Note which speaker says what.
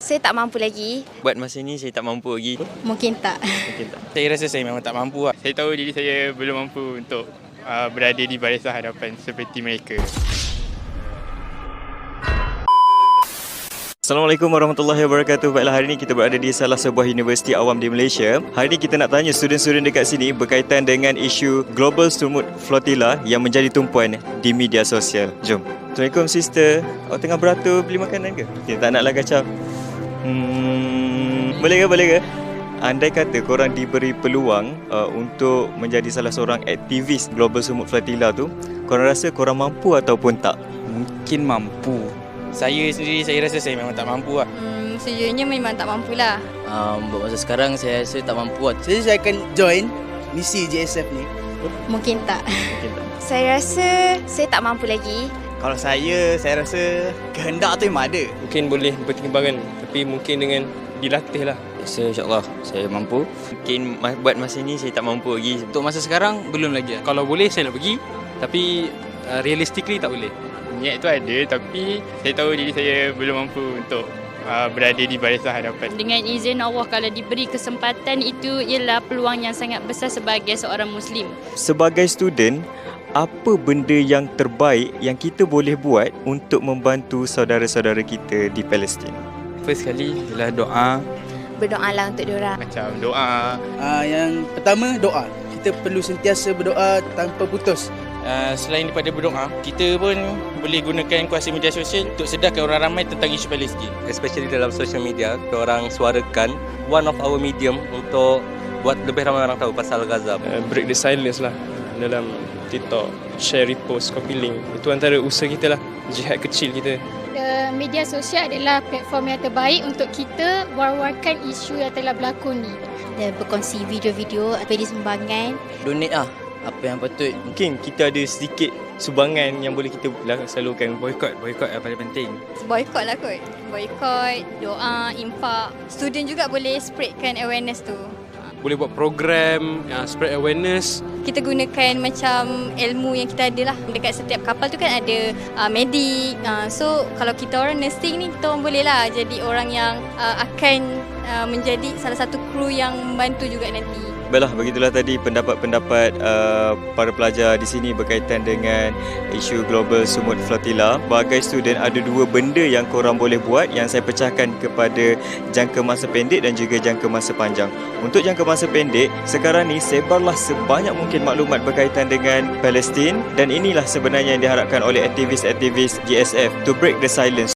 Speaker 1: Saya tak mampu lagi.
Speaker 2: Buat masa ni saya tak mampu lagi.
Speaker 1: Mungkin tak.
Speaker 2: Mungkin tak.
Speaker 3: Saya rasa saya memang tak mampu lah.
Speaker 4: Saya tahu diri saya belum mampu untuk berada di barisan hadapan seperti mereka.
Speaker 2: Assalamualaikum warahmatullahi wabarakatuh. Baiklah, hari ini kita berada di salah sebuah universiti awam di Malaysia. Hari ini kita nak tanya student-student dekat sini berkaitan dengan isu Global Sumut Flotilla yang menjadi tumpuan di media sosial. Jom. Assalamualaikum sister. Awak tengah beratur beli makanan ke? Kita tak naklah kacau. Boleh ke? Andai kata korang diberi peluang untuk menjadi salah seorang aktivis Global Sumut Flotilla tu, korang rasa korang mampu ataupun tak?
Speaker 3: Mungkin mampu. Saya sendiri, saya rasa saya memang tak mampu lah.
Speaker 1: Sejujurnya memang tak mampulah.
Speaker 5: Buat masa sekarang saya rasa tak mampu lah.
Speaker 6: Jadi saya akan join misi JSF ni.
Speaker 1: Mungkin tak. Saya rasa saya tak mampu lagi.
Speaker 6: Kalau saya rasa kehendak tu memang ada.
Speaker 7: Mungkin boleh bertimbangan, tapi mungkin dengan dilatih lah.
Speaker 5: Saya insyaAllah saya mampu.
Speaker 2: Mungkin buat masa ni saya tak mampu lagi.
Speaker 3: Untuk masa sekarang, belum lagi lah.
Speaker 7: Kalau boleh saya nak pergi, tapi realistically tak boleh.
Speaker 4: Niat tu ada, tapi saya tahu diri saya belum mampu untuk berada di barisan hadapan.
Speaker 8: Dengan izin Allah, kalau diberi kesempatan, itu ialah peluang yang sangat besar sebagai seorang Muslim.
Speaker 2: Sebagai student, apa benda yang terbaik yang kita boleh buat untuk membantu saudara-saudara kita di Palestin?
Speaker 3: First sekali ialah doa.
Speaker 1: Berdoalah untuk diorang.
Speaker 4: Macam doa.
Speaker 6: Yang pertama, doa. Kita perlu sentiasa berdoa tanpa putus.
Speaker 3: Selain daripada berdoa, kita pun boleh gunakan kuasa media sosial untuk sedarkan orang ramai tentang isu Palestin.
Speaker 7: Especially dalam social media, orang suarakan one of our medium untuk buat lebih ramai orang tahu pasal Gaza. Break the silence lah dalam TikTok, share, repost, copy link. Itu antara usaha kita lah, jihad kecil kita.
Speaker 8: Media sosial adalah platform yang terbaik untuk kita war-warkan isu yang telah berlaku ni.
Speaker 1: Dan berkongsi video-video beri sumbangan.
Speaker 5: Donate lah apa yang patut.
Speaker 2: Mungkin kita ada sedikit sumbangan yang boleh kita salurkan.
Speaker 3: Boykot yang paling penting.
Speaker 1: Boykot lah kot. Boykot, doa, impak. Student juga boleh spreadkan awareness tu.
Speaker 7: Boleh buat program, spread awareness.
Speaker 1: Kita gunakan macam ilmu yang kita ada lah. Dekat setiap kapal tu kan ada medik. So kalau kita orang nursing ni, kita orang boleh lah jadi orang yang akan menjadi salah satu kru yang membantu juga nanti.
Speaker 2: Baiklah, begitulah tadi pendapat-pendapat para pelajar di sini berkaitan dengan isu Global Sumut Flotilla. Sebagai student, ada dua benda yang korang boleh buat yang saya pecahkan kepada jangka masa pendek dan juga jangka masa panjang. Untuk jangka masa pendek, sekarang ni sebarlah sebanyak mungkin maklumat berkaitan dengan Palestin, dan inilah sebenarnya yang diharapkan oleh aktivis-aktivis GSF to break the silence.